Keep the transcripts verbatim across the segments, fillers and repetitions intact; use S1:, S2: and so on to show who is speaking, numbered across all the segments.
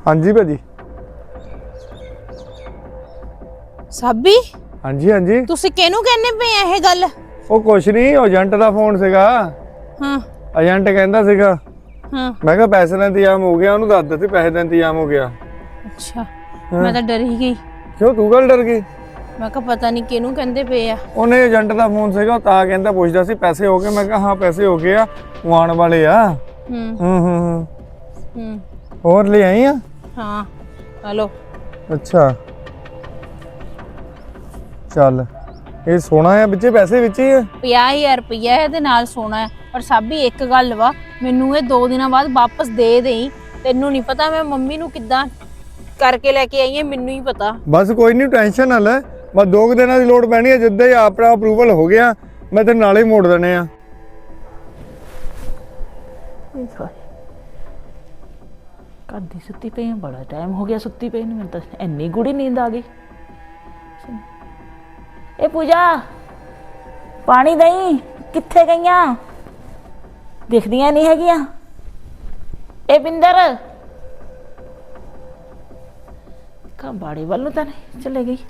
S1: हाँ जी भाजी।
S2: ਸਾਬੀ
S1: हाँ जी हाँ जी।
S2: ਤੁਸੀਂ ਕਿਹਨੂੰ ਕਹਿੰਦੇ ਪਏ ਆ ਇਹ ਗੱਲ?
S1: ਉਹ ਕੁਛ ਨਹੀਂ, ਏਜੰਟ ਦਾ ਫੋਨ ਸੀਗਾ।
S2: ਹਾਂ
S1: ਏਜੰਟ ਕਹਿੰਦਾ ਸੀਗਾ।
S2: ਹਾਂ
S1: ਮੈਂ ਕਿਹਾ ਪੈਸੇ ਦਾ ਇੰਤਜ਼ਾਮ ਹੋ ਗਿਆ, ਉਹਨੂੰ ਦੱਸ ਦਿੱਤੀ ਪੈਸੇ ਦਾ ਇੰਤਜ਼ਾਮ ਹੋ ਗਿਆ।
S2: ਅੱਛਾ ਮੈਂ ਤਾਂ ਡਰ ਹੀ ਗਈ।
S1: ਕਿਉਂ ਤੂੰ ਗੱਲ ਡਰ ਗਈ?
S2: ਮੈਂ ਕਿਹਾ ਪਤਾ ਨਹੀਂ ਕਿਹਨੂੰ ਕਹਿੰਦੇ ਪਏ ਆ।
S1: ਉਹਨੇ ਏਜੰਟ ਦਾ ਫੋਨ ਸੀਗਾ, ਤਾਂ ਕਹਿੰਦਾ ਪੁੱਛਦਾ ਸੀ ਪੈਸੇ ਹੋ ਗਏ। ਮੈਂ ਕਿਹਾ ਹਾਂ ਪੈਸੇ ਹੋ ਗਏ ਆ, ਉਹ ਆਉਣ ਵਾਲੇ ਆ।
S2: ਹੂੰ
S1: ਹੂੰ ਹੂੰ ਹੂੰ
S2: ਹੂੰ
S1: ਹੋਰ ਲੈ ਆਈ ਆ?
S2: ਹਾਂ ਹਲੋ।
S1: ਅੱਛਾ ਚੱਲ, ਇਹ ਸੋਨਾ ਆ ਵਿੱਚੇ, ਪੈਸੇ ਵਿੱਚ ਹੀ ਆ।
S2: ਪੰਜਾਹ ਹਜ਼ਾਰ ਰੁਪਈਆ ਇਹਦੇ ਨਾਲ ਸੋਨਾ ਹੈ। ਪਰ ਸਾਬੀ ਇੱਕ ਗੱਲ ਵਾ, ਮੈਨੂੰ ਇਹ ਦੋ ਦਿਨਾਂ ਬਾਅਦ ਵਾਪਸ ਦੇ ਦੇਈ। ਤੈਨੂੰ ਨਹੀਂ ਪਤਾ ਮੈਂ ਮੰਮੀ ਨੂੰ ਕਿੱਦਾਂ ਕਰਕੇ ਲੈ ਕੇ ਆਈ ਹਾਂ, ਮੈਨੂੰ ਹੀ ਪਤਾ।
S1: ਬਸ ਕੋਈ ਨਹੀਂ, ਟੈਨਸ਼ਨ ਨਾ ਲੈ। ਬਸ ਦੋ ਕੁ ਦਿਨਾਂ ਦੀ ਲੋੜ ਪੈਣੀ ਹੈ, ਜਿੱਦਾਂ ਹੀ ਆਪਣਾ ਅਪਰੂਵਲ ਹੋ ਗਿਆ ਮੈਂ ਤੈਨੂੰ ਨਾਲੇ ਹੀ ਮੋੜ ਦੇਣੇ ਆ।
S3: ਘਰ ਦੀ ਸੁੱਤੀ ਪਈ ਆ, ਬੜਾ ਟਾਈਮ ਹੋ ਗਿਆ ਸੁੱਤੀ ਪਈ ਨੂੰ। ਮੈਨੂੰ ਤਾਂ ਇੰਨੀ ਗੂੜੀ ਨੀਂਦ ਆ ਗਈ। ਇਹ ਪੂਜਾ ਪਾਣੀ ਦਈ, ਕਿੱਥੇ ਗਈਆਂ? ਦਿਖਦੀਆਂ ਨਹੀਂ ਹੈਗੀਆਂ। ਇਹ ਬਿੰਦਰ ਕਾ ਬਾੜੇ ਵੱਲ ਨੂੰ ਤਾਂ ਨਹੀਂ ਚਲੇ ਗਈ।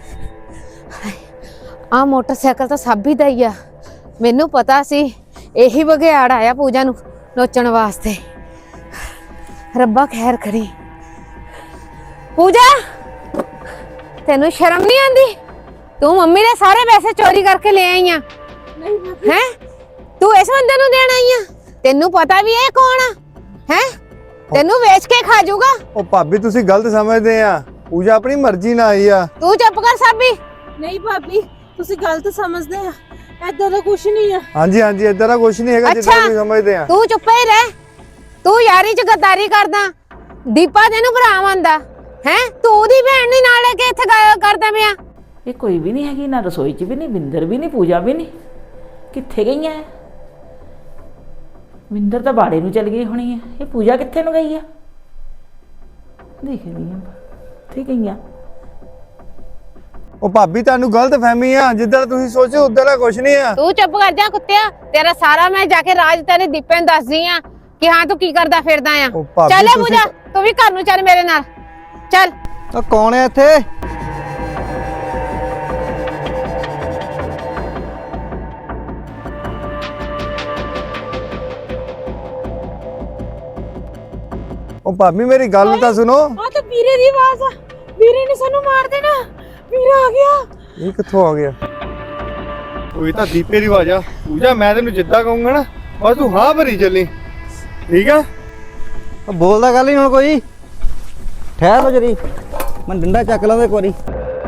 S4: ਆ ਮੋਟਰਸਾਈਕਲ ਤਾਂ ਸਾਬੀ ਦਾ ਹੀ ਆ। ਮੈਨੂੰ ਪਤਾ ਸੀ ਇਹੀ ਬਘਿਆੜ ਆਇਆ ਪੂਜਾ ਨੂੰ ਨੋਚਣ ਵਾਸਤੇ। ਰੱਬਾ ਖੈਰ ਕਰੀ। ਪੂਜਾ ਤੈਨੂੰ ਸ਼ਰਮ ਨਹੀਂ ਆਂਦੀ? ਤੂੰ ਮੰਮੀ ਦੇ ਸਾਰੇ ਪੈਸੇ ਚੋਰੀ ਕਰਕੇ ਲੈ ਆਈ ਆ।
S2: ਨਹੀਂ
S4: ਹੈ ਤੂੰ ਇਸ ਬੰਦੇ ਨੂੰ ਦੇਣ ਆਈ ਆ? ਤੈਨੂੰ ਪਤਾ ਵੀ ਇਹ ਕੌਣ ਆ? ਹੈ ਤੈਨੂੰ ਵੇਚ ਕੇ ਖਾ ਜਾਊਗਾ।
S1: ਉਹ ਭਾਬੀ ਤੁਸੀਂ ਗਲਤ ਸਮਝਦੇ ਆ, ਪੂਜਾ ਆਪਣੀ ਮਰਜ਼ੀ ਨਾਲ ਆਈ ਆ।
S4: ਤੂੰ ਚੁੱਪ ਕਰ ਸਾਬੀ।
S2: ਨਹੀਂ ਭਾਬੀ ਤੁਸੀਂ ਗਲਤ ਸਮਝਦੇ ਆ, ਐਦਾਂ ਦਾ ਕੁਝ ਨਹੀਂ ਆ।
S1: ਹਾਂਜੀ ਹਾਂਜੀ ਇਦਾਂ ਦਾ ਕੁਝ ਨਹੀਂ ਹੈਗਾ ਜਿੱਦਾਂ ਤੁਸੀਂ ਸਮਝਦੇ ਆ।
S4: ਤੂੰ ਚੁੱਪ ਹੀ ਰਹਿ। ਤੂੰ ਯਾਰੀ ਚ ਗੱਦਾਰੀ ਕਰਦਾ। ਦੀਪਾ ਤੈਨੂੰ ਭਰਾ ਮੰਨਦਾ ਹੈ, ਤੂੰ ਉਹਦੀ ਭੈਣ ਨਹੀਂ ਨਾਲ ਲੈ ਕੇ ਇੱਥੇ ਗੱਲ ਕਰਦਾ ਪਿਆ।
S3: ਇਹ ਕੋਈ ਵੀ ਨਹੀਂ ਹੈਗੀ, ਨਾ ਰਸੋਈ 'ਚ ਵੀ ਨਹੀਂ, ਬਿੰਦਰ ਵੀ ਨਹੀਂ, ਪੂਜਾ ਵੀ ਨਹੀਂ। ਕਿੱਥੇ ਗਈਆਂ? ਬਿੰਦਰ ਤਾਂ ਬਾੜੇ ਨੂੰ ਚਲ ਗਈ ਹੋਣੀ ਹੈ। ਇਹ ਪੂਜਾ ਕਿੱਥੇ ਨੂੰ ਗਈ ਆ? ਦੇਖਦੀ ਆ ਕਿੱਥੇ ਗਈਆਂ।
S1: ਉਹ ਭਾਬੀ ਤੁਹਾਨੂੰ ਗਲਤ ਫਹਿਮੀ ਆ, ਜਿੱਦਾਂ ਤੁਸੀਂ ਸੋਚੋ ਉਦਾਂ ਦਾ ਕੁਝ ਨਹੀਂ ਆ।
S4: ਤੂੰ ਚੁੱਪ ਕਰ ਜਾ ਕੁੱਤਿਆ। ਤੇਰਾ ਸਾਰਾ ਮੈਂ ਜਾ ਕੇ ਰਾਜ ਤੇਰੇ ਦੀਪੇ ਨੂੰ ਦੱਸਦੀ ਆ ਕਿ ਹਾਂ ਤੂੰ ਕੀ ਕਰਦਾ ਫਿਰਦਾ ਆ।
S1: ਉਹ ਭਾਬੀ
S4: ਚੱਲ
S1: ਤੁਸੀਂ-
S4: ਪੂਜਾ ਤੂੰ ਵੀ ਘਰ ਨੂੰ ਚੱਲ ਮੇਰੇ ਨਾਲ ਚੱਲ।
S5: ਉਹ ਕੌਣ ਹੈ ਇੱਥੇ?
S1: ਉਹ ਭਾਬੀ ਮੇਰੀ ਗੱਲ ਤਾਂ ਸੁਣੋ।
S2: ਆ ਤਾਂ ਵੀਰੇ ਦੀ ਆਵਾਜ਼ ਆ। ਵੀਰੇ ਨੇ ਸਾਨੂੰ ਮਾਰ ਦੇਣਾ। ਵੀਰਾ ਆ ਗਿਆ।
S1: ਇਹ ਕਿੱਥੋਂ ਆ ਗਿਆ? ਉਹ ਇਹ ਤਾਂ ਦੀਪੇ ਦੀ ਆਵਾਜ਼ ਆ। ਪੂਜਾ ਮੈਂ ਤੈਨੂੰ ਜਿੱਦਾਂ ਕਹੂੰਗਾ ਨਾ ਬਸ ਤੂੰ ਹਾਂ ਭਰੀ ਚੱਲੀ, ਠੀਕ ਆ?
S5: ਉਹ ਬੋਲਦਾ ਗੱਲ ਨਹੀਂ ਹੁਣ ਕੋਈ। ਠਹਿਰ ਲੋ ਜਰੀ, ਮੈਂ ਡੰਡਾ ਚੱਕ ਲਾਂਦਾ ਇੱਕ ਵਾਰੀ।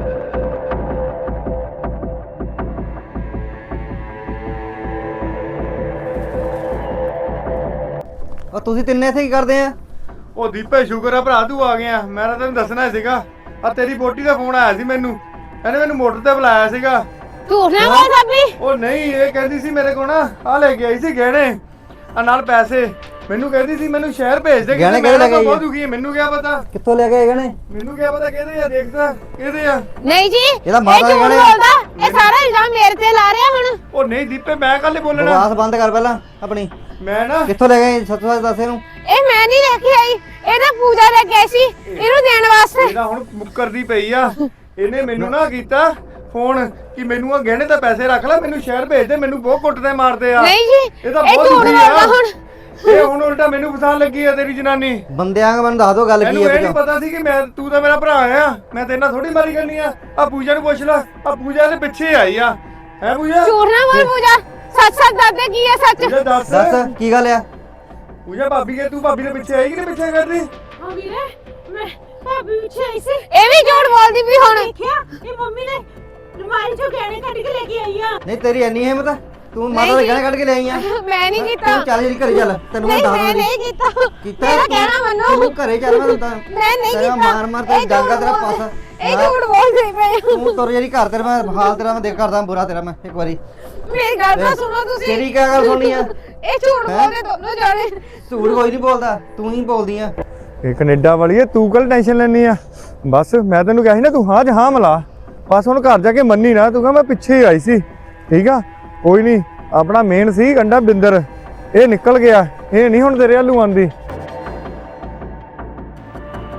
S5: ਉਹ ਤੁਸੀਂ ਤਿੰਨੇ ਇੱਥੇ ਕੀ ਕਰਦੇ ਆ?
S1: ਉਹ ਦੀਪੇ ਸ਼ੁਕਰ ਆ ਭਰਾ ਤੂੰ ਆ ਗਿਆ। ਮੈਂ ਤਾਂ ਤੈਨੂੰ ਦੱਸਣਾ ਸੀਗਾ, ਆ ਤੇਰੀ ਬੋਟੀ ਦਾ ਫੋਨ ਆਇਆ ਸੀ ਮੈਨੂੰ। ਇਹਨੇ ਮੈਨੂੰ ਮੋਟਰ ਤੇ ਬੁਲਾਇਆ ਸੀਗਾ।
S4: ਝੂਠ ਨਾ ਬੋਲ ਸਾਬੀ।
S1: ਉਹ ਨਹੀਂ, ਇਹ ਕਹਿੰਦੀ ਸੀ ਮੇਰੇ ਕੋਲ ਨਾ ਆ ਲੈ ਕੇ ਆਈ ਸੀ ਗਹਿਣੇ ਆ ਨਾਲ ਪੈਸੇ। ਮੈਨੂੰ ਕਹਿੰਦੀ ਸੀ ਮੈਨੂੰ ਸ਼ਹਿਰ ਭੇਜ ਦੇ।
S5: ਗਹਿਣੇ
S1: ਮੈਂ
S5: ਕਿਹੜੇ ਲੈ ਕੇ
S1: ਤਾਂ
S5: ਆਈ ਆ?
S1: ਬਹੁਤ ਦੁਖੀ ਹੈ, ਮੈਨੂੰ ਕੀ ਪਤਾ।
S5: ਕਿੱਥੋਂ ਲੈ ਕੇ ਆਏ ਗਣੇ?
S1: ਮੈਨੂੰ ਕੀ ਪਤਾ ਕਿਹਦੇ ਆ, ਦੇਖਦਾ ਕਿਹਦੇ ਆ।
S4: ਨਹੀਂ ਜੀ
S5: ਇਹਦਾ
S4: ਇਹ
S5: ਮਾਤਾ
S4: ਝੂਠ
S5: ਗਹਿਣੇ-
S4: ਬੋਲਦਾ। ਇਹ ਸਾਰਾ ਇਲਜ਼ਾਮ ਮੇਰੇ ਤੇ ਲਾ ਰਿਹਾ ਹੁਣ।
S1: ਉਹ ਨਹੀਂ ਦੀਪੇ ਮੈਂ ਕੱਲ ਬੋਲਣਾ।
S5: ਬਕਵਾਸ ਬੰਦ ਕਰ ਪਹਿਲਾਂ ਆਪਣੀ।
S1: ਮੈਂ ਨਾ
S5: ਕਿੱਥੋਂ ਲੈ ਗਏ? ਸੱਚ ਸੱਚ ਦੱਸ ਇਹਨੂੰ।
S4: ਇਹ ਮੈਂ ਨਹੀਂ ਲੈ ਕੇ ਆਈ, ਇਹ ਤਾਂ ਪੂਜਾ ਲੈ ਕੇ ਆਈ ਸੀ ਇਹਨੂੰ ਦੇਣ ਵਾਸਤੇ।
S1: ਇਹਦਾ ਹੁਣ ਮੁੱਕਰਦੀ ਪਈ ਆ। ਇਹਨੇ ਮੈਨੂੰ ਨਾ ਕੀਤਾ ਫੋਨ ਕਿ ਮੈਨੂੰ ਆ ਗਹਿਣੇ ਤਾਂ ਪੈਸੇ ਰੱਖ ਲੈ, ਮੈਨੂੰ ਸ਼ਹਿਰ ਭੇਜ ਦੇ। ਮੈਨੂੰ ਬਹੁਤ ਕੁੱਟਦੇ ਮਾਰਦੇ ਆ।
S4: ਨਹੀਂ ਜੀ
S1: ਇਹ ਤਾਂ
S4: ਇਹ
S1: ਬਹੁਤ
S4: ਝੂਠ
S1: ਦੁਖੀ
S4: ਬੋਲਦਾ
S1: ਆ।
S4: ਹੁਣ।
S1: ਇਹ ਹੁਣ ਉਲਟਾ ਮੈਨੂੰ ਫਸਾਣ ਲੱਗੀ ਆ ਤੇਰੀ ਜਨਾਨੀ।
S5: ਬੰਦਿਆਂ ਨੂੰ ਮੈਨੂੰ ਦੱਸ ਦੋ ਗੱਲ ਕੀ
S1: ਇਹਨੂੰ
S5: ਹੈ।
S1: ਇਹ ਨਹੀਂ ਪਤਾ ਸੀ ਕਿ ਮੈਂ ਤੂੰ ਤਾਂ ਮੇਰਾ ਭਰਾ ਆ। ਮੈਂ ਤੇਰੇ ਨਾਲ ਥੋੜੀ ਮਾਰੀ ਕਰਨੀ ਆ। ਆ ਪੂਜਾ ਨੂੰ ਪੁੱਛ ਲੈ, ਆ ਪੂਜਾ ਦੇ ਪਿੱਛੇ ਆਈ ਆ। ਹੈ ਪੂਜਾ?
S4: ਝੂਠ ਨਾ ਬੋਲ ਪੂਜਾ। ਸੱਚ ਸੱਚ ਦੱਸ ਦੇ ਕੀ ਹੈ ਸੱਚ।
S1: ਪੂਜਾ ਦੱਸ।
S5: ਦੱਸ ਕੀ ਗੱਲ ਆ?
S1: ਪੂਜਾ ਭਾਬੀ ਕੇ ਤੂੰ ਭਾਬੀ ਦੇ ਪਿੱਛੇ ਆਈ ਕਿ ਨਹੀਂ ਪਿੱਛੇ ਕਰਦੀ?
S2: ਹਾਂ ਵੀਰੇ ਮੈਂ ਭਾਬੀ ਪਿੱਛੇ ਆਈ ਸੀ।
S4: ਇਹ ਵੀ ਝੂਠ ਬੋਲਦੀ ਵੀ ਹੁਣ।
S2: ਦੇਖਿਆ ਇਹ ਮੰਮੀ ਨੇ ਅਲਮਾਰੀ ਚੋਂ ਗਹਿਣੇ ਕੱਢ ਕੇ ਲੈ ਕੇ ਆਈ ਆ।
S5: ਨਹੀਂ ਤੇਰੀ ਇੰਨੀ ਹਿੰਮਤ ਆ? ਤੂੰ ਮਾਤਾ ਦੇ ਗਹਿਣੇ ਕੱਢ ਕੇ ਲੈ ਆਈ ਆ?
S4: ਮੈਂ ਨਹੀਂ ਕੀਤਾ।
S5: ਤੂੰ ਚੱਲ ਜੀ ਘਰੇ ਚੱਲ, ਤੈਨੂੰ ਮੈਂ
S4: ਨਹੀਂ
S5: ਦੱਸ
S4: ਮੈਂ
S5: ਦਿੰਦੀ।
S4: ਨਹੀਂ ਕੀਤਾ।
S5: ਕੀਤਾ
S4: ਮੇਰਾ ਕਹਿਣਾ ਮੰਨੋ।
S5: ਤੂੰ ਘਰੇ ਚੱਲ, ਮੈਂ ਤਾਂ
S4: ਮੈਂ ਨਹੀਂ
S5: ਤੇਰਾ
S4: ਕੀਤਾ।
S5: ਮਾਰ ਮਾਰ ਤੇ
S4: ਇਹ
S5: ਡਾਂਗਾ
S4: ਝੂਠ
S5: ਤੇਰਾ
S4: ਬੋਲ-
S5: ਪਾਸਾ।
S4: ਇਹ ਝੂਠ ਬੋਲਦੇ ਪਏ ਹੋ।
S5: ਤੂੰ ਤੁਰ ਜਿਹੜੀ ਘਰ ਤੇਰਾ ਮੈਂ ਹਾਲ ਤੇਰਾ ਮੈਂ ਦੇਖ ਕਰਦਾ ਬੁਰਾ ਤੇਰਾ ਮੈਂ ਇੱਕ ਵਾਰੀ।
S4: ਮੇਰੀ ਗੱਲ ਤਾਂ ਸੁਣੋ ਤੁਸੀਂ।
S5: ਤੇਰੀ ਕਿਆ ਗੱਲ ਸੁਣਨੀ ਆ?
S4: ਇਹ ਝੂਠ ਬੋਲਦੇ ਦੋਨੋਂ ਜਾਣੇ।
S5: ਝੂਠ ਕੋਈ ਨਹੀਂ ਬੋਲਦਾ, ਤੂੰ ਹੀ ਬੋਲਦੀ ਆ।
S1: ਇਹ ਕੈਨੇਡਾ ਵਾਲੀ ਹੈ, ਤੂੰ ਕੱਲ ਟੈਨਸ਼ਨ ਲੈਣੀ ਆ। ਬਸ ਮੈਂ ਤੈਨੂੰ ਕਿਹਾ ਸੀ ਨਾ ਤੂੰ ਹਾਂ ਚ ਹਾਂ ਮਿਲਾ। ਬਸ ਹੁਣ ਘਰ ਜਾ ਕੇ ਮੰਨੀ ਨਾ, ਤੂੰ ਕਹ ਮੈਂ ਪਿੱਛੇ ਹੀ ਆਈ ਸੀ, ਠੀਕ ਆ? ਕੋਈ ਨਹੀਂ, ਆਪਣਾ ਮੇਨ ਸੀ ਕੰਡਾ ਬਿੰਦਰ, ਇਹ ਨਿਕਲ ਗਿਆ। ਇਹ ਨਹੀਂ ਹੁਣ ਤੇਰੇ ਵੱਲੋਂ ਆਂਦੀ।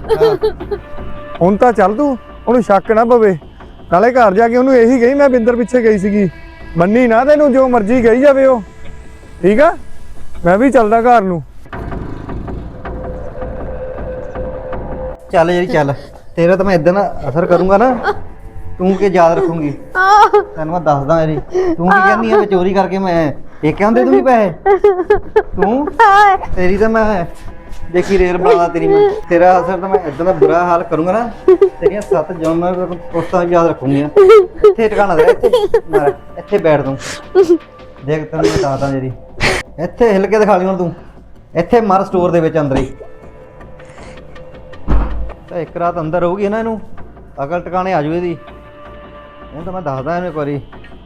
S1: ਹੁਣ ਤਾਂ ਚੱਲ ਤੂੰ, ਉਹਨੂੰ ਸ਼ੱਕ ਨਾ ਪਵੇ। ਨਾਲੇ ਘਰ ਜਾ ਕੇ ਉਹਨੂੰ ਇਹੀ ਕਹੀ ਮੈਂ ਬਿੰਦਰ ਪਿੱਛੇ ਗਈ ਸੀਗੀ। ਮੰਨੀ ਨਾ ਤੈਨੂੰ, ਜੋ ਮਰਜ਼ੀ ਕਹੀ ਜਾਵੇ ਉਹ, ਠੀਕ ਆ? ਮੈਂ ਵੀ ਚੱਲਦਾ ਘਰ ਨੂੰ।
S5: ਚੱਲ ਜਿਹੜੀ ਚੱਲ, ਤੇਰਾ ਤਾਂ ਮੈਂ ਇਦਾਂ ਨਾ ਅਸਰ ਕਰੂੰਗਾ ਨਾ, ਤੂੰ ਕੀ ਯਾਦ ਰੱਖੂੰਗੀ। ਤੈਨੂੰ ਮੈਂ ਦੱਸਦਾ ਮੇਰੀ, ਤੂੰ ਕੀ ਕਹਿੰਦੀ ਆ ਮੈਂ ਚੋਰੀ ਕਰਕੇ ਮੈਂ ਪੇਕਿਆਂ ਦੇ ਦੂੰਗੀ ਪੈਸੇ? ਤੂੰ ਤੇਰੀ ਤਾਂ ਮੈਂ ਦੇਖੀ ਰੇਲ ਬਣਾ ਤੇਰੀ ਮੈਂ, ਤੇਰਾ ਅਸਰ ਤਾਂ ਮੈਂ ਇਦਾਂ ਦਾ ਬੁਰਾ ਹਾਲ ਕਰੂੰਗਾ ਨਾ, ਤੇਰੀਆਂ ਸੱਤ ਜਨਮ ਮੈਂ ਉਸਤਾਂ ਯਾਦ ਰੱਖੂੰਗੀ। ਇੱਥੇ ਟਿਕਾਣਾ ਦੇ, ਇੱਥੇ ਮਾਰ, ਇੱਥੇ ਬੈਠ ਤੂੰ। ਦੇਖ ਤੈਨੂੰ ਮੈਂ ਦੱਸਦਾ ਜਿਹੜੀ, ਇੱਥੇ ਹਿੱਲ ਕੇ ਦਿਖਾ ਲਈ ਹੁਣ ਤੂੰ, ਇੱਥੇ ਮਰ ਸਟੋਰ ਦੇ ਵਿੱਚ ਅੰਦਰ ਹੀ। ਤਾਂ ਇੱਕ ਰਾਤ ਅੰਦਰ ਰਹੂਗੀ ਨਾ, ਇਹਨੂੰ ਅਕਲ ਟਿਕਾਣੇ ਆ ਜੂ ਇਹਦੀ। ਹੁਣ ਤਾਂ ਮੈਂ ਦੱਸਦਾ ਇਹਨੂੰ ਇੱਕ ਵਾਰੀ।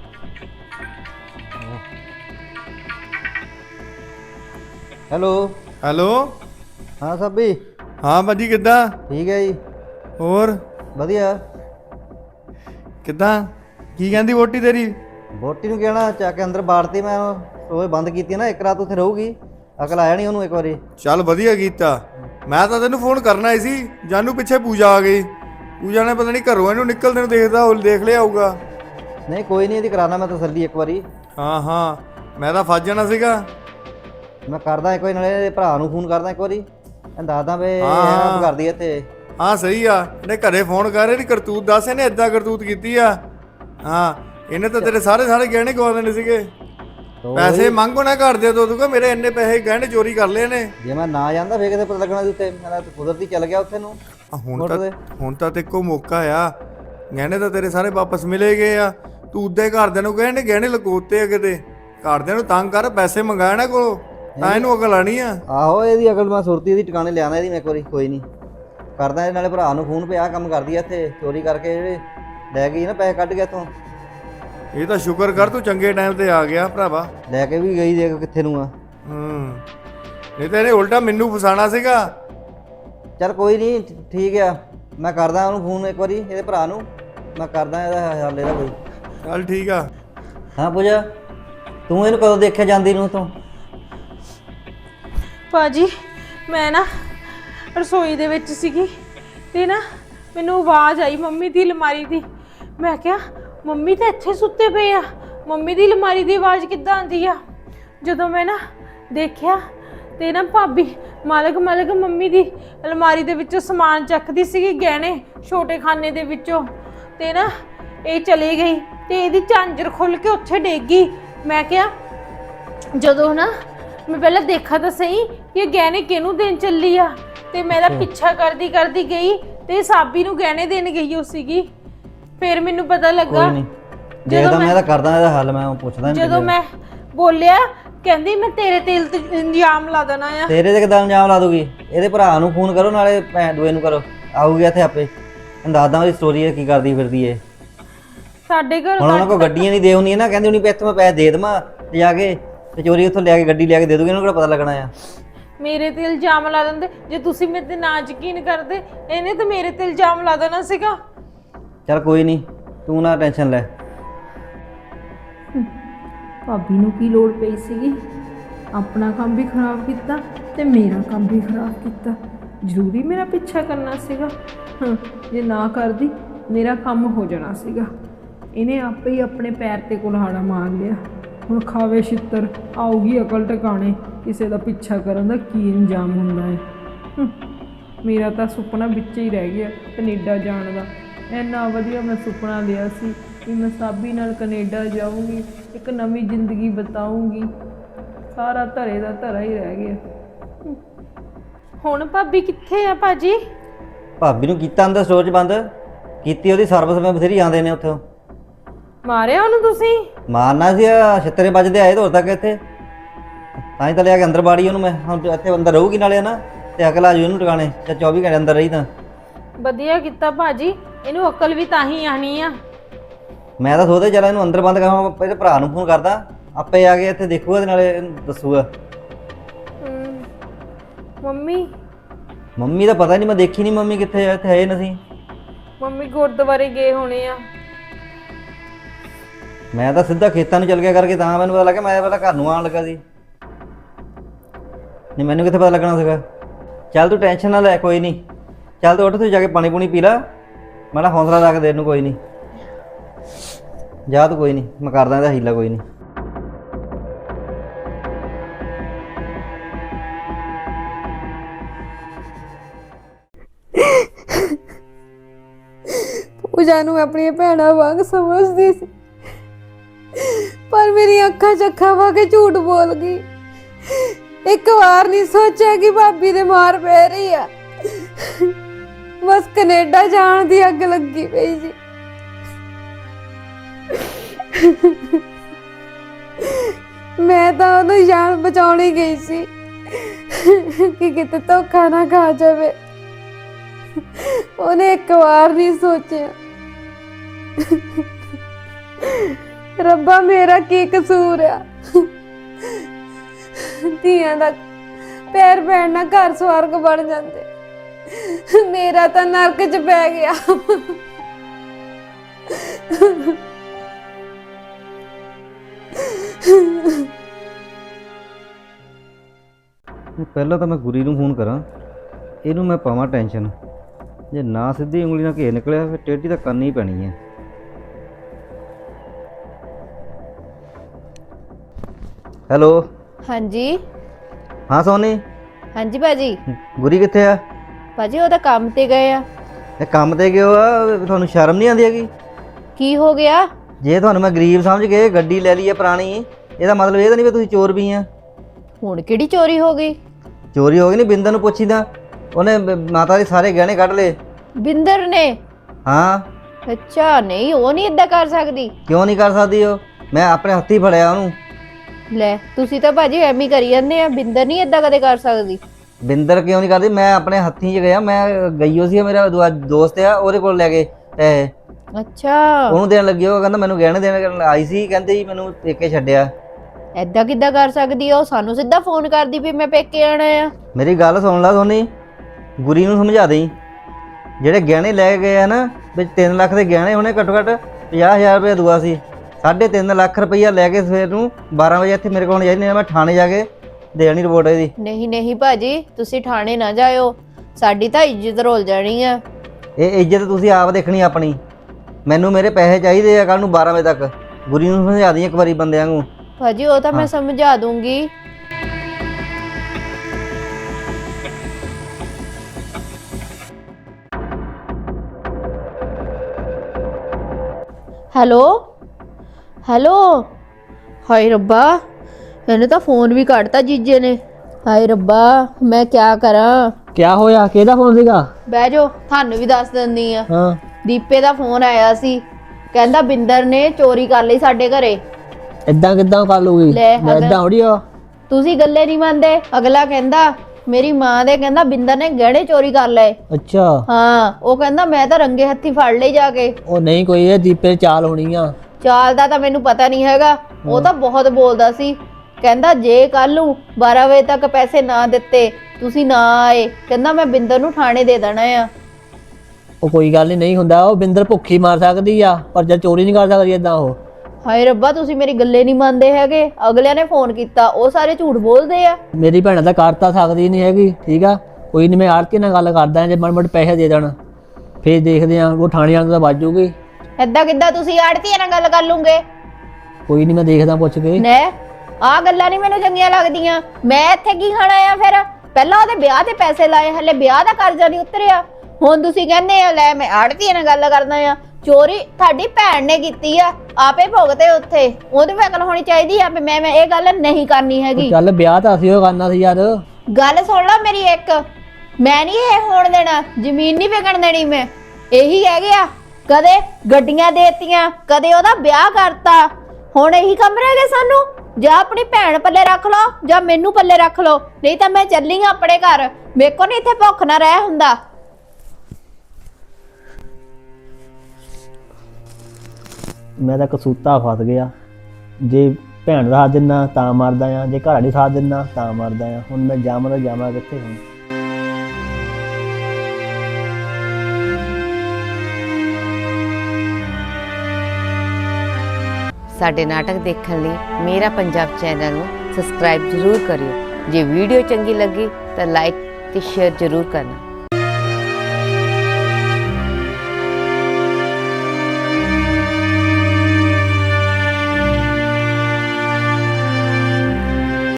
S5: Hello
S1: hello.
S5: ਹਾਂ ਸਾਬੀ,
S1: ਹਾਂ ਭਾਜੀ, ਕਿੱਦਾਂ?
S5: ਠੀਕ ਹੈ ਜੀ,
S1: ਹੋਰ
S5: ਵਧੀਆ।
S1: ਕਿੱਦਾਂ? ਕੀ ਕਹਿੰਦੀ ਵੋਟੀ ਤੇਰੀ?
S5: ਵੋਟੀ ਨੂੰ ਕਹਿਣਾ ਚੱਕ ਕੇ ਅੰਦਰ ਬਾੜਤੀ, ਮੈਂ ਸੋਏ ਬੰਦ ਕੀਤੀ ਨਾ, ਇੱਕ ਰਾਤ ਉੱਥੇ ਰਹੂਗੀ, ਅਕਲ ਆਇਆ ਨਹੀਂ ਉਹਨੂੰ ਇੱਕ ਵਾਰੀ।
S1: ਚੱਲ ਵਧੀਆ ਕੀਤਾ। ਮੈਂ ਤਾਂ ਤੈਨੂੰ ਫੋਨ ਕਰਨਾ ਹੀ ਸੀ, ਜਾਨੂ ਪਿੱਛੇ ਪੂਜਾ ਆ ਗਈ। ਪੂਜਾ ਨੇ ਪਤਾ ਨਹੀਂ ਘਰੋਂ ਇਹਨੂੰ ਨਿਕਲਦੇ ਨੂੰ ਦੇਖਦਾ ਉਹ ਦੇਖ ਲਿਆ ਹੋਊਗਾ।
S5: ਨਹੀਂ ਕੋਈ ਨਹੀਂ, ਇਹਦੀ ਕਰਾਣਾ ਮੈਂ ਤਸੱਲੀ ਇੱਕ ਵਾਰੀ।
S1: ਹਾਂ ਹਾਂ, ਮੈਂ ਤਾਂ ਫਸ ਜਾਣਾ ਸੀਗਾ।
S5: ਮੈਂ ਕਰਦਾ ਇੱਕ ਵਾਰੀ, ਨਾਲੇ ਇਹਦੇ ਭਰਾ ਨੂੰ ਫੋਨ ਕਰਦਾ ਇੱਕ ਵਾਰੀ, ਇਹਨੂੰ ਦੱਸਦਾ ਵੀ
S1: ਹਾਂ।
S5: ਇਹ ਕਰਦੀ ਇੱਥੇ।
S1: ਹਾਂ ਸਹੀ ਆ, ਇਹਨੇ ਘਰੇ ਫੋਨ ਕਰ, ਇਹਦੀ ਕਰਤੂਤ ਦੱਸ, ਇਹਨੇ ਏਦਾਂ ਕਰਤੂਤ ਕੀਤੀ ਆ। ਹਾਂ, ਇਹਨੇ ਤਾਂ ਤੇਰੇ ਸਾਰੇ ਸਾਰੇ ਗਹਿਣੇ ਗਵਾ ਦੇਣੇ ਸੀਗੇ। ਪੈਸੇ ਮੰਗੋ ਨਾ ਘਰ ਦੇ ਤੋਂ, ਤੂੰ ਮੇਰੇ ਇੰਨੇ ਪੈਸੇ ਗਹਿਣੇ ਚੋਰੀ ਕਰ ਲਏ ਨੇ।
S5: ਜੇ ਮੈਂ ਨਾ ਜਾਂਦਾ ਫੇਰ ਕਿਤੇ ਪਤਾ ਲੱਗਣਾ ਸੀ ਉੱਤੇ, ਮੈਂ ਤਾਂ ਕੁਦਰਤੀ ਚੱਲ ਗਿਆ ਉੱਥੇ ਨੂੰ।
S1: ਹੁਣ ਤਾਂ ਹੁਣ ਤਾਂ ਤੇ ਕੋ ਮੌਕਾ ਆ, ਗਹਿਣੇ ਤਾਂ ਤੇਰੇ ਸਾਰੇ ਵਾਪਸ ਮਿਲੇ ਗਏ ਆ। ਤੂੰ ਉੱਦੇ ਘਰਦਿਆਂ ਨੂੰ ਕਹਿੰਦੇ ਗਹਿਣੇ ਲਕੋਤੇ ਆ ਕਿਤੇ, ਘਰਦਿਆਂ ਨੂੰ ਤੰਗ ਕਰ, ਪੈਸੇ ਮੰਗਾਇਆ ਨਾ ਕੋਲੋਂ, ਤਾਂ ਇਹਨੂੰ ਅਕਲ ਆਣੀ ਆ।
S5: ਆਹੋ ਇਹਦੀ ਅਕਲ ਮੈਂ ਸੁਰਤੀ ਇਹਦੀ ਟਿਕਾਣੇ ਲਿਆਣਾ ਇਹਦੀ ਮੈਂ ਇੱਕ ਵਾਰੀ। ਕੋਈ ਨਹੀਂ ਕਰਦਾ ਇਹ, ਨਾਲੇ ਭਰਾ ਨੂੰ ਫੋਨ ਪਿਆ ਕੰਮ ਕਰਦੀ ਆ ਇੱਥੇ, ਚੋਰੀ ਕਰਕੇ ਜਿਹੜੇ ਲੈ ਗਈ ਨਾ ਪੈਸੇ ਕੱਢ ਕੇ ਇੱਥੋਂ।
S1: ਇਹ ਤਾਂ ਸ਼ੁਕਰ ਕਰ ਤੂੰ ਚੰਗੇ ਟਾਈਮ ਤੇ ਆ ਗਿਆ ਭਰਾਵਾ।
S5: ਲੈ ਕੇ ਵੀ ਗਈ, ਦੇਖ ਕਿੱਥੇ ਨੂੰ ਆ।
S1: ਹੂੰ, ਨਹੀਂ ਤਾਂ ਇਹਨੇ ਉਲਟਾ ਮੈਨੂੰ ਫਸਾਣਾ ਸੀਗਾ।
S5: ਚੱਲ ਕੋਈ ਨਹੀਂ, ਠੀਕ ਆ, ਮੈਂ ਕਰਦਾ ਉਹਨੂੰ ਫੋਨ ਇੱਕ ਵਾਰੀ, ਇਹਦੇ ਭਰਾ ਨੂੰ ਮੈਂ ਕਰਦਾ ਇਹਦਾ ਹੱਲ ਇਹਦਾ ਕੋਈ।
S1: ਚੱਲ ਠੀਕ ਆ।
S5: ਹਾਂ ਪੂਜਾ, ਤੂੰ ਇਹਨੂੰ ਕਦੋਂ ਦੇਖਿਆ ਜਾਂਦੀ ਨੂੰ ਤੂੰ?
S2: ਭਾਜੀ ਮੈਂ ਨਾ ਰਸੋਈ ਦੇ ਵਿੱਚ ਸੀਗੀ ਤੇ ਨਾ ਮੈਨੂੰ ਆਵਾਜ਼ ਆਈ ਮੰਮੀ ਦੀ ਅਲਮਾਰੀ ਦੀ। ਮੈਂ ਕਿਹਾ ਮੰਮੀ ਤਾਂ ਇੱਥੇ ਸੁੱਤੇ ਪਏ ਆ, ਮੰਮੀ ਦੀ ਅਲਮਾਰੀ ਦੀ ਆਵਾਜ਼ ਕਿੱਦਾਂ ਆਉਂਦੀ ਆ? ਜਦੋਂ ਮੈਂ ਨਾ ਦੇਖਿਆ ਤੇ ਨਾ ਭਾਬੀ ਮਾਲਕ ਮਾਲਕ ਮੰਮੀ ਦੀ ਅਲਮਾਰੀ ਦੇ ਵਿੱਚੋਂ ਸਮਾਨ ਚੱਕਦੀ ਸੀਗੀ, ਗਹਿਣੇ ਛੋਟੇ ਖਾਨੇ ਦੇ ਵਿੱਚੋਂ, ਤੇ ਨਾ ਇਹ ਚਲੀ ਗਈ ਤੇ ਇਹਦੀ ਝਾਂਜਰ ਖੁੱਲ ਕੇ ਉੱਥੇ ਡਿੱਗ ਗਈ। ਮੈਂ ਕਿਹਾ ਜਦੋਂ ਨਾ ਮੈਂ ਪਹਿਲਾਂ ਦੇਖਾ ਤਾਂ ਸਹੀ ਕਿ ਇਹ ਗਹਿਣੇ ਕਿਹਨੂੰ ਦੇਣ ਚੱਲੀ ਆ, ਤੇ ਮੇਰਾ ਪਿੱਛਾ ਕਰਦੀ ਕਰਦੀ ਗਈ ਤੇ ਸਾਬੀ ਨੂੰ ਗਹਿਣੇ ਦੇਣ ਗਈ ਉਹ ਸੀਗੀ। ਫਿਰ ਮੈਨੂੰ ਪਤਾ ਲੱਗਾ।
S5: ਕੋਈ ਨਹੀਂ, ਦੇਖਦਾ ਮੈਂ ਤਾਂ ਕਰਦਾ ਇਹਦਾ ਹੱਲ, ਮੈਂ ਪੁੱਛਦਾ ਇਹਨੂੰ।
S2: ਜਦੋਂ ਮੈਂ ਬੋਲਿਆ ਕਹਿੰਦੀ ਮੈਂ ਤੇਰੇ ਤੇਲ ਤੇ ਇੰਜਾਮ ਲਾ ਦੇਣਾ ਆ।
S5: ਤੇਰੇ ਤੇ ਕਿਦਾਂ ਇੰਜਾਮ ਲਾ ਦੂਗੀ? ਇਹਦੇ ਭਰਾ ਨੂੰ ਫੋਨ ਕਰੋ, ਨਾਲੇ ਭੈਣ ਦੂਏ ਨੂੰ ਕਰੋ, ਆਊਗੀ ਇੱਥੇ ਆਪੇ। ਇਹਨੂੰ ਦੱਸਦਾ ਉਹਦੀ ਸਟੋਰੀ ਹੈ ਕੀ ਕਰਦੀ ਫਿਰਦੀ ਏ।
S2: ਸਾਡੇ ਘਰ
S5: ਹੁਣ ਉਹਨਾਂ ਕੋਲ ਗੱਡੀਆਂ ਨਹੀਂ ਦੇ ਹੁੰਦੀ ਨਾ, ਕਹਿੰਦੀ ਹੁਣੀ ਇੱਥੋਂ ਮੈਂ ਪੈਸੇ ਦੇ ਦੇਵਾਂ ਤੇ ਜਾ ਕੇ ਤੇ ਚੋਰੀ ਉੱਥੋਂ ਲਿਆ ਕੇ ਗੱਡੀ ਲਿਆ ਕੇ ਦੇ ਦੂਗੀ, ਇਹਨੂੰ ਕਿਹੜਾ ਪਤਾ ਲੱਗਣਾ ਆ।
S2: ਮੇਰੇ ਤੇ ਇਲਜ਼ਾਮ ਲਾ ਦਿੰਦੇ। ਜੇ ਤੁਸੀਂ ਮੇਰੇ ਤੇ ਨਾ ਯਕੀਨ ਕਰਦੇ, ਇਹਨੇ ਤਾਂ ਮੇਰੇ ਤੇ ਇਲਜ਼ਾਮ ਲਾ ਦੇਣਾ ਸੀਗਾ।
S5: ਚੱਲ ਕੋਈ ਨਹੀਂ, ਤੂੰ ਨਾ ਟੈਨਸ਼ਨ ਲੈ।
S6: ਭਾਬੀ ਨੂੰ ਕੀ ਲੋੜ ਪਈ ਸੀਗੀ? ਆਪਣਾ ਕੰਮ ਵੀ ਖਰਾਬ ਕੀਤਾ ਤੇ ਮੇਰਾ ਕੰਮ ਵੀ ਖਰਾਬ ਕੀਤਾ। ਜ਼ਰੂਰੀ ਮੇਰਾ ਪਿੱਛਾ ਕਰਨਾ ਸੀਗਾ? ਹਾਂ, ਜੇ ਨਾ ਕਰਦੀ ਮੇਰਾ ਕੰਮ ਹੋ ਜਾਣਾ ਸੀਗਾ। ਇਹਨੇ ਆਪੇ ਹੀ ਆਪਣੇ ਪੈਰ ਤੇ ਕੁਲਹਾੜਾ ਮਾਰ ਲਿਆ। ਹੁਣ ਖਾਵੇ ਛਿੱਤਰ, ਆਊਗੀ ਅਕਲ ਟਿਕਾਣੇ ਕਿਸੇ ਦਾ ਪਿੱਛਾ ਕਰਨ ਦਾ ਕੀ ਇੰਜਾਮ ਹੁੰਦਾ ਹੈ। ਮੇਰਾ ਤਾਂ ਸੁਪਨਾ ਵਿੱਚ ਹੀ ਰਹਿ ਗਿਆ ਕੈਨੇਡਾ ਜਾਣ ਦਾ। ਇੰਨਾ ਵਧੀਆ ਮੈਂ ਸੁਪਨਾ ਲਿਆ ਸੀ ਕਿ ਮੈਂ ਸਾਬੀ ਨਾਲ ਕੈਨੇਡਾ ਜਾਊਂਗੀ, ਇੱਕ ਨਵੀਂ ਜ਼ਿੰਦਗੀ ਬਿਤਾਊਂਗੀ। ਸਾਰਾ ਧਰੇ ਦਾ ਧਰਾ ਹੀ ਰਹਿ ਗਿਆ।
S2: ਹੁਣ ਭਾਬੀ ਕਿੱਥੇ ਆ ਭਾਜੀ?
S5: ਭਾਬੀ ਨੂੰ ਕੀਤਾ ਅੰਦਰ ਸਟੋਰ 'ਚ ਬੰਦ ਕੀਤੀ, ਉਹਦੀ ਸਰਵਿਸ ਮੈਂ ਬਥੇਰੀ ਆਉਂਦੇ ਨੇ ਉੱਥੋਂ।
S2: ਮਾਰਿਆ ਉਹਨੂੰ ਤੁਸੀਂ?
S5: ਮਾਰਨਾ ਸੀ, ਛਿੱਤਰੇ ਵੱਜਦੇ ਆਏ ਤੋਰ ਤੱਕ ਇੱਥੇ, ਤਾਂ ਹੀ ਤਾਂ ਲਿਆ ਕੇ ਅੰਦਰ ਬਾੜੀ ਉਹਨੂੰ ਮੈਂ। ਹੁਣ ਇੱਥੇ ਅੰਦਰ ਰਹੂਗੀ ਨਾਲੇ ਨਾ, ਤੇ ਅਕਲ ਆ ਜੂ ਇਹਨੂੰ ਟਿਕਾਣੇ, ਜਾਂ ਚੌਵੀ ਘੰਟੇ ਅੰਦਰ ਰਹੀ ਤਾਂ।
S2: ਵਧੀਆ ਕੀਤਾ ਭਾਜੀ, ਇਹਨੂੰ ਅਕਲ ਵੀ ਤਾਂ ਹੀ ਆਣੀ ਆ।
S5: ਮੈਂ ਤਾਂ ਸੋਚਦਾ ਚੱਲ ਇਹਨੂੰ ਅੰਦਰ ਬੰਦ ਕਰਾਂ, ਇਹਦੇ ਭਰਾ ਨੂੰ ਫੋਨ ਕਰਦਾ, ਆਪੇ ਆ ਕੇ ਇੱਥੇ ਦੇਖੂਗਾ ਤੇ ਨਾਲੇ ਇਹਨੂੰ ਦੱਸੂਗਾ।
S2: ਹਮ, ਮੰਮੀ
S5: ਮੰਮੀ ਦਾ ਪਤਾ ਨਹੀਂ, ਮੈਂ ਦੇਖੀ ਨਹੀਂ ਮੰਮੀ ਕਿੱਥੇ ਆ, ਇੱਥੇ ਹੈ ਨਹੀਂ।
S2: ਮੰਮੀ ਗੁਰਦੁਆਰੇ ਗਏ ਹੋਣੇ ਆ।
S5: ਮੈਂ ਤਾਂ ਸਿੱਧਾ ਖੇਤਾਂ ਨੂੰ ਚੱਲ ਗਿਆ ਕਰਕੇ ਤਾਂ ਮੈਨੂੰ ਪਤਾ ਲੱਗਾ, ਮੈਂ ਪਹਿਲਾਂ ਘਰ ਨੂੰ ਆਉਣ ਲੱਗਾ ਸੀ। ਨਹੀਂ ਮੈਨੂੰ ਕਿੱਥੇ ਪਤਾ ਲੱਗਣਾ ਸੀਗਾ। ਚੱਲ ਤੂੰ ਟੈਨਸ਼ਨ ਨਾ ਲੈ, ਕੋਈ ਨਹੀਂ, ਚੱਲ ਤੂੰ ਉੱਠ, ਤੂੰ ਜਾ ਕੇ ਪਾਣੀ ਪੂਣੀ ਪੀ ਲੈ, ਮਾੜਾ ਹੌਸਲਾ ਰੱਖ ਦੇ ਇਹਨੂੰ, ਕੋਈ ਨਹੀਂ ਜਾ ਤੂੰ, ਕੋਈ ਨਹੀਂ ਮੈਂ ਕਰਦਾ ਇਹਦਾ ਹੀਲਾ, ਕੋਈ ਨਹੀਂ।
S6: ਪੂਜਾ ਨੂੰ ਆਪਣੀਆਂ ਭੈਣਾਂ ਵਾਂਗ ਸਮਝਦੀ ਸੀ, ਪਰ ਮੇਰੀ ਅੱਖਾਂ 'ਚ ਅੱਖਾਂ ਪਾ ਕੇ ਝੂਠ ਬੋਲ ਗਈ। ਇੱਕ ਵਾਰ ਨਹੀਂ ਸੋਚਿਆ ਕਿ ਭਾਬੀ ਦੇ ਮਾਰ ਪੈ ਰਹੀ ਆ। ਬਸ ਕੈਨੇਡਾ ਜਾਣ ਦੀ ਅੱਗ ਲੱਗੀ ਪਈ ਸੀ। ਮੈਂ ਤਾਂ ਉਹਨੂੰ ਜਾਨ ਬਚਾਉਣੀ ਗਈ ਸੀ ਕਿ ਕਿਤੇ ਧੋਖਾ ਨਾ ਖਾ ਜਾਵੇ। ਉਹਨੇ ਇੱਕ ਵਾਰ ਨਹੀਂ ਸੋਚਿਆ। ਰੱਬਾ ਮੇਰਾ ਕੀ ਕਸੂਰ ਆ? ਧੀਆਂ ਦਾ ਪੈਰ ਪੈਣ ਨਾਲ ਘਰ ਸਵਰਗ ਬਣ ਜਾਂਦੇ, ਮੇਰਾ ਤਾਂ ਨਰਕ 'ਚ ਪੈ ਗਿਆ।
S5: ਪਹਿਲਾਂ ਤਾਂ ਮੈਂ ਗੁਰੀ ਨੂੰ ਫੋਨ ਕਰਾਂ, ਇਹਨੂੰ ਮੈਂ ਪਾਵਾਂ ਟੈਨਸ਼ਨ। ਜੇ ਨਾ ਸਿੱਧੀ ਉਂਗਲੀ ਨਾਲ ਘੇਰ ਨਿਕਲਿਆ ਫਿਰ ਟੇਢੀ ਤਾਂ ਕਰਨੀ ਹੀ ਪੈਣੀ ਹੈ। ਹੈਲੋ।
S4: ਹਾਂਜੀ
S5: ਹਾਂ ਸੋਨੀ,
S4: ਹਾਂਜੀ ਭਾਜੀ।
S5: ਗੁਰੀ ਕਿੱਥੇ ਆ?
S4: ਭਾਜੀ ਉਹ ਤਾਂ ਕੰਮ ਤੇ ਗਏ ਆ।
S5: ਇਹ ਕੰਮ ਤੇ ਗਿਓ ਆ, ਤੁਹਾਨੂੰ ਸ਼ਰਮ ਨਹੀਂ ਆਉਂਦੀ ਹੈਗੀ?
S4: ਕੀ ਹੋ ਗਿਆ?
S5: ਜੇ ਤੁਹਾਨੂੰ ਮੈਂ ਗਰੀਬ ਸਮਝ ਕੇ ਗੱਡੀ ਲੈ ਲਈ ਹੈ ਪੁਰਾਣੀ, ਇਹਦਾ ਮਤਲਬ ਇਹ ਤਾਂ ਨਹੀਂ ਵੀ ਤੁਸੀਂ ਚੋਰ ਵੀ ਆ।
S4: ਹੁਣ ਕਿਹੜੀ ਚੋਰੀ ਹੋ ਗਈ?
S5: ਚੋਰੀ ਹੋ ਗਈ ਨਹੀਂ, ਬਿੰਦਰ ਨੂੰ ਪੁੱਛੀਦਾ, ਉਹਨੇ ਬ- ਮਾਤਾ ਦੇ ਸਾਰੇ ਗਹਿਣੇ ਕੱਢ ਲਏ।
S4: ਬਿੰਦਰ ਨੇ?
S5: ਹਾਂ।
S4: ਅੱਛਾ, ਨਹੀਂ ਉਹ ਨਹੀਂ ਇਦਾਂ ਕਰ ਸਕਦੀ।
S5: ਕਿਉਂ ਨਹੀਂ ਕਰ ਸਕਦੀ ਉਹ? ਮੈਂ ਆਪਣੇ ਹੱਥੀਂ ਫੜਿਆ ਉਹਨੂੰ।
S4: ਲੈ ਤੁਸੀਂ ਤਾਂ ਭਾਜੀ ਐਵੇਂ ਹੀ ਕਰੀ ਜਾਂਦੇ ਆ। ਬਿੰਦਰ ਨਹੀਂ ਇਦਾਂ ਕਦੇ ਕਰ ਸਕਦੀ।
S5: ਬਿੰਦਰ ਕਿਉਂ ਨਹੀਂ ਕਰਦੀ? ਮੈਂ ਆਪਣੇ ਹੱਥੀਂ 'ਚ ਗਿਆ, ਮੈਂ ਗਈ ਹੋ ਸੀ, ਮੇਰਾ ਦੋ- ਦੋਸਤ ਆ, ਉਹਦੇ ਕੋਲ ਲੈ ਗਏ ਪੈਸੇ,
S4: ਅੱਛਾ
S5: ਉਹਨੂੰ ਦੇਣ ਲੱਗੀ। ਉਹ ਕਹਿੰਦਾ ਮੈਨੂੰ ਗਹਿਣੇ ਦੇਣ ਆਈ ਸੀ, ਕਹਿੰਦੇ ਜੀ ਮੈਨੂੰ ਪੇਕੇ ਛੱਡਿਆ।
S4: ਐਦਾਂ ਕਿੱਦਾਂ ਕਰ ਸਕਦੀ ਆ? ਉਹ ਸਾਨੂੰ ਸਿੱਧਾ ਫੋਨ ਕਰਦੀ ਵੀ ਮੈਂ ਪੇਕੇ ਆਣਾ ਆ।
S5: ਮੇਰੀ ਗੱਲ ਸੁਣ ਲਾ ਸੋਨੀ, ਗੁਰੀ ਨੂੰ ਸਮਝਾ ਦੇਈ, ਜਿਹੜੇ ਗਹਿਣੇ ਲੈ ਕੇ ਗਏ ਆ ਨਾ, ਵਿੱਚ ਤਿੰਨ ਲੱਖ ਦੇ ਗਹਿਣੇ ਹੋਣੇ, ਘੱਟੋ ਘੱਟ ਪੰਜਾਹ ਹਜ਼ਾਰ ਰੁਪਏ ਦੂਆ ਸੀ। ਸਾਢੇ ਤਿੰਨ ਲੱਖ ਰੁਪਈਆ ਲੈ ਕੇ ਸਵੇਰ ਨੂੰ ਬਾਰਾਂ ਵਜੇ ਇੱਥੇ ਮੇਰੇ ਕੋਲ ਚਾਹੀਦੀ, ਨਹੀਂ ਮੈਂ ਥਾਣੇ ਜਾ ਕੇ ਦੇਣੀ ਰਿਪੋਰਟ ਇਹਦੀ।
S4: ਨਹੀਂ ਨਹੀਂ ਭਾਜੀ, ਤੁਸੀਂ ਥਾਣੇ ਨਾ ਜਾਇਓ, ਸਾਡੀ ਤਾਂ ਇੱਜ਼ਤ ਰੋਲ ਜਾਣੀ ਆ।
S5: ਇਹ ਇੱਜ਼ਤ ਤੁਸੀਂ ਆਪ ਦੇਖਣੀ ਆਪਣੀ। ਮੈਨੂੰ ਮੇਰੇ ਪੈਸੇ ਚਾਹੀਦੇ ਆ ਕੱਲ ਨੂੰ ਬਾਰਾਂ ਵਜੇ ਤੱਕ। ਗੁਰੀ ਨੂੰ ਸਮਝਾ ਦੇਈ ਇੱਕ ਵਾਰੀ ਬੰਦਿਆਂ ਨੂੰ।
S4: ਭਾਜੀ ਉਹ ਤਾਂ ਮੈਂ ਸਮਝਾ ਦੂੰਗੀ। Hello hello. ਹਾਏ ਰੱਬਾ, ਇਹਨੇ ਤਾਂ ਫੋਨ ਵੀ ਕੱਟਤਾ ਜੀਜੇ ਨੇ। ਹਾਏ ਰੱਬਾ, ਮੈਂ ਕਿਆ ਕਰਾਂ?
S7: ਕਿਆ ਹੋਇਆ? ਕਿਹਦਾ ਫੋਨ ਸੀਗਾ?
S4: ਬਹਿ ਜਾਓ, ਤੁਹਾਨੂੰ ਵੀ ਦੱਸ ਦਿੰਦੀ ਆ।
S7: ਹਾਂ।
S4: ਦੀਪੇ ਦਾ ਫੋਨ ਆਇਆ ਸੀ, ਕਹਿੰਦਾ ਬਿੰਦਰ ਨੇ ਚੋਰੀ ਕਰ ਲਈ ਸਾਡੇ ਘਰੇ।
S7: ਇਦਾਂ ਕਿੱਦਾਂ ਕਰ ਲੂਗੀ?
S4: ਲੈ, ਅਗਰ-
S7: ਇਦਾਂ ਥੋੜੀ ਆ।
S4: ਤੁਸੀਂ ਗੱਲੇ ਨਹੀਂ ਮੰਨਦੇ। ਅਗਲਾ ਕਹਿੰਦਾ ਮੇਰੀ ਮਾਂ ਦੇ ਕਹਿੰਦਾ ਬਿੰਦਰ ਨੇ ਗਹਿਣੇ ਚੋਰੀ ਕਰ ਲਏ।
S7: ਅੱਛਾ।
S4: ਹਾਂ, ਉਹ ਕਹਿੰਦਾ ਮੈਂ ਤਾਂ ਰੰਗੇ ਹੱਥੀ ਫੜ ਲਈ ਜਾ ਕੇ।
S7: ਉਹ ਨਹੀਂ, ਕੋਈ ਇਹ ਦੀਪੇ ਦੀ ਚਾਲ ਹੋਣੀ ਆ।
S4: ਚਾਲ ਦਾ ਤਾਂ ਮੈਨੂੰ ਪਤਾ ਨਹੀਂ ਹੈਗਾ, ਉਹ ਤਾਂ ਬਹੁਤ ਬੋਲਦਾ ਸੀ। ਕਹਿੰਦਾ ਜੇ ਕੱਲ ਨੂੰ ਬਾਰਾਂ ਵਜੇ ਤੱਕ ਪੈਸੇ ਨਾ ਦਿੱਤੇ, ਤੁਸੀਂ ਨਾ ਆਏ, ਕਹਿੰਦਾ ਮੈਂ ਬਿੰਦਰ ਨੂੰ ਥਾਣੇ ਦੇ ਦੇਣਾ ਆ।
S7: ਉਹ ਕੋਈ ਗੱਲ ਨਹੀਂ, ਨਹੀਂ ਹੁੰਦਾ। ਉਹ ਬਿੰਦਰ ਭੁੱਖੀ ਮਾਰ ਸਕਦੀ ਆ, ਪਰ ਜੇ ਚੋਰੀ ਨਹੀਂ ਕਰ ਸਕਦੀ ਇਦਾਂ ਉਹ।
S4: ਹਾਏ ਰੱਬਾ, ਤੁਸੀਂ ਮੇਰੀ ਗੱਲੇ ਨਹੀਂ ਮੰਨਦੇ ਹੈਗੇ। ਅਗਲਿਆਂ ਨੇ ਫੋਨ ਕੀਤਾ, ਉਹ ਸਾਰੇ ਝੂਠ ਬੋਲਦੇ ਆ।
S7: ਮੇਰੀ ਭੈਣਾਂ ਤਾਂ ਕਰ ਤਾਂ ਸਕਦੀ ਨਹੀਂ ਹੈਗੀ, ਠੀਕ ਆ। ਕੋਈ ਨਹੀਂ, ਮੈਂ ਆੜਤੀ ਨਾਲ ਗੱਲ ਕਰਦਾ, ਜੇ ਮੜ ਮੜ ਪੈਸੇ ਦੇ ਦੇਣ, ਫੇਰ ਦੇਖਦੇ ਆ। ਉਹ ਥਾਣੇ ਵਾਲੇ ਤਾਂ ਵੱਜ ਜੂਗੀ।
S4: ਏਦਾਂ ਕਿੱਦਾਂ ਤੁਸੀਂ ਆੜਤੀਆਂ ਨਾਲ ਗੱਲ ਕਰ ਲੂੰਗੇ?
S7: ਕੋਈ ਨਹੀਂ, ਮੈਂ ਦੇਖਦਾ ਪੁੱਛ ਕੇ।
S4: ਨੇ ਆਹ ਗੱਲਾਂ ਨਹੀਂ ਮੈਨੂੰ ਚੰਗੀਆਂ ਲੱਗਦੀਆਂ। ਮੈਂ ਇੱਥੇ ਕੀ ਖਾਣਾ ਆ? ਫਿਰ ਪਹਿਲਾਂ ਉਹਦੇ ਵਿਆਹ ਤੇ ਪੈਸੇ ਲਾਏ, ਹਲੇ ਵਿਆਹ ਦਾ ਕਰਜ਼ਾ ਨਹੀਂ ਉਤਰਿਆ। ਹੁਣ ਤੁਸੀਂ ਕਹਿੰਦੇ ਆ ਲੈ ਮੈਂ ਆੜਤੀਆਂ ਨਾਲ ਗੱਲ ਕਰਦਾ ਆ। ਚੋਰੀ ਤੁਹਾਡੀ ਭੈਣ ਨੇ ਕੀਤੀ ਆ, ਆਪੇ ਭੁਗਤੇ ਉੱਥੇ। ਉਹਦੇ ਵਕਲ ਹੋਣੀ ਚਾਹੀਦੀ ਆ। ਮੈਂ ਮੈਂ ਇਹ ਗੱਲ ਨਹੀਂ ਕਰਨੀ ਹੈਗੀ।
S7: ਚੱਲ ਵਿਆਹ ਤਾਂ ਅਸੀਂ ਉਹ ਕਰਨਾ ਸੀ ਯਾਰ।
S4: ਗੱਲ ਸੁਣ ਲਾ ਮੇਰੀ ਇੱਕ, ਮੈਂ ਨਹੀਂ ਇਹ ਹੋਣ ਦੇਣਾ। ਜ਼ਮੀਨ ਨਹੀਂ ਵਿਕਣ ਦੇਣੀ ਮੈਂ। ਇਹੀ ਹੈਗੇ ਆ, ਕਦੇ ਗੱਡੀਆਂ ਦੇਤੀਆਂ, ਕਦੇ ਉਹਦਾ ਵਿਆਹ ਕਰਤਾ। ਹੁਣ ਇਹੀ ਕੰਮ ਰਹਿ ਗਏ ਸਾਨੂੰ। ਜਾਂ ਆਪਣੀ ਭੈਣ ਪੱਲੇ ਰੱਖ ਲਓ ਜਾਂ ਮੈਨੂੰ ਪੱਲੇ ਰੱਖ ਲਓ, ਨਹੀਂ ਤਾਂ ਮੈਂ ਚੱਲੀ ਆ ਆਪਣੇ ਘਰ। ਮੇਰੇ ਕੋ ਨਹੀਂ ਇੱਥੇ ਭੁੱਖ ਨਾ ਰਹਿ ਹੁੰਦਾ।
S7: ਮੈਂ ਤਾਂ ਕਸੂਤਾ ਫਸ ਗਿਆ। ਜੇ ਭੈਣ ਦਾ ਸਾਥ ਦਿੰਦਾ ਤਾਂ ਮਰਦਾ ਆ, ਜੇ ਘਰ ਵਾਲੀ ਸਾਥ ਦਿੰਦਾ ਤਾਂ ਮਰਦਾ ਆ। ਹੁਣ ਮੈਂ ਜਾਵਾਂ ਤਾਂ ਜਾਵਾਂ ਕਿੱਥੇ? ਹੁਣ
S4: ਸਾਡੇ ਨਾਟਕ ਦੇਖਣ ਲਈ ਮੇਰਾ ਪੰਜਾਬ ਚੈਨਲ ਨੂੰ ਸਬਸਕ੍ਰਾਈਬ ਜ਼ਰੂਰ ਕਰਿਓ। ਜੇ ਵੀਡੀਓ ਚੰਗੀ ਲੱਗੀ ਤਾਂ ਲਾਈਕ ਤੇ ਸ਼ੇਅਰ ਜ਼ਰੂਰ ਕਰਨਾ।